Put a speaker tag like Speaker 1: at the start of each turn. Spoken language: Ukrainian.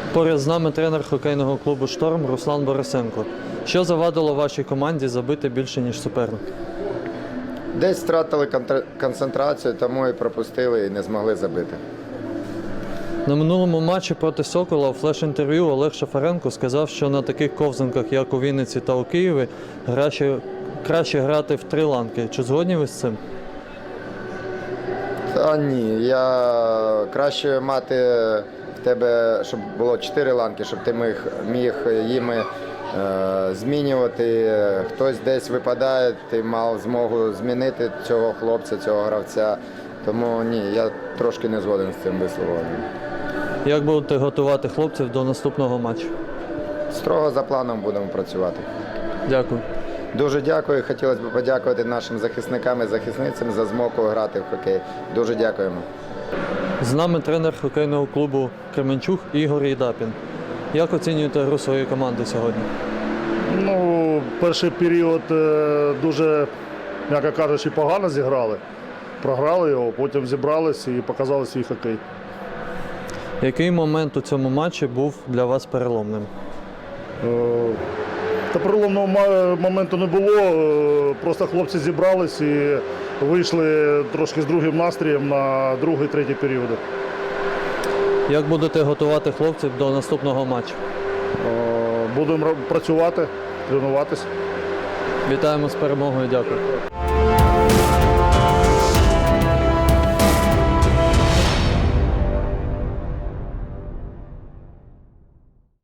Speaker 1: Поряд з нами тренер хокейного клубу «Шторм» Руслан Борисенко. Що завадило вашій команді забити більше, ніж суперник?
Speaker 2: Десь втратили концентрацію, тому і пропустили і не змогли забити.
Speaker 1: На минулому матчі проти «Сокола» у флеш-інтерв'ю Олег Шафаренко сказав, що на таких ковзанках, як у Вінниці та у Києві, краще грати в 3 ланки. Чи згодні ви з цим?
Speaker 2: Та ні, я краще мати в тебе, щоб було 4 ланки, щоб ти міг їми змінювати. Хтось десь випадає, ти мав змогу змінити цього хлопця, цього гравця. Тому ні, я трошки не згоден з цим висловленням.
Speaker 1: Як будете готувати хлопців до наступного матчу?
Speaker 2: Строго за планом будемо працювати.
Speaker 1: Дякую.
Speaker 2: Дуже дякую. Хотілося б подякувати нашим захисникам і захисницям за змогу грати в хокей. Дуже дякуємо.
Speaker 1: З нами тренер хокейного клубу «Кременчуг» Ігор Єдапін. Як оцінюєте гру своєї команди сьогодні?
Speaker 3: Перший період дуже, м'яко кажучи, погано зіграли. Програли його, потім зібрались і показали свій хокей.
Speaker 1: Який момент у цьому матчі був для вас переломним?
Speaker 3: Та переломного моменту не було, просто хлопці зібрались і вийшли трошки з другим настроєм на другий-третій періоди.
Speaker 1: Як будете готувати хлопців до наступного матчу?
Speaker 3: Будемо працювати, тренуватися.
Speaker 1: Вітаємо з перемогою, дякую.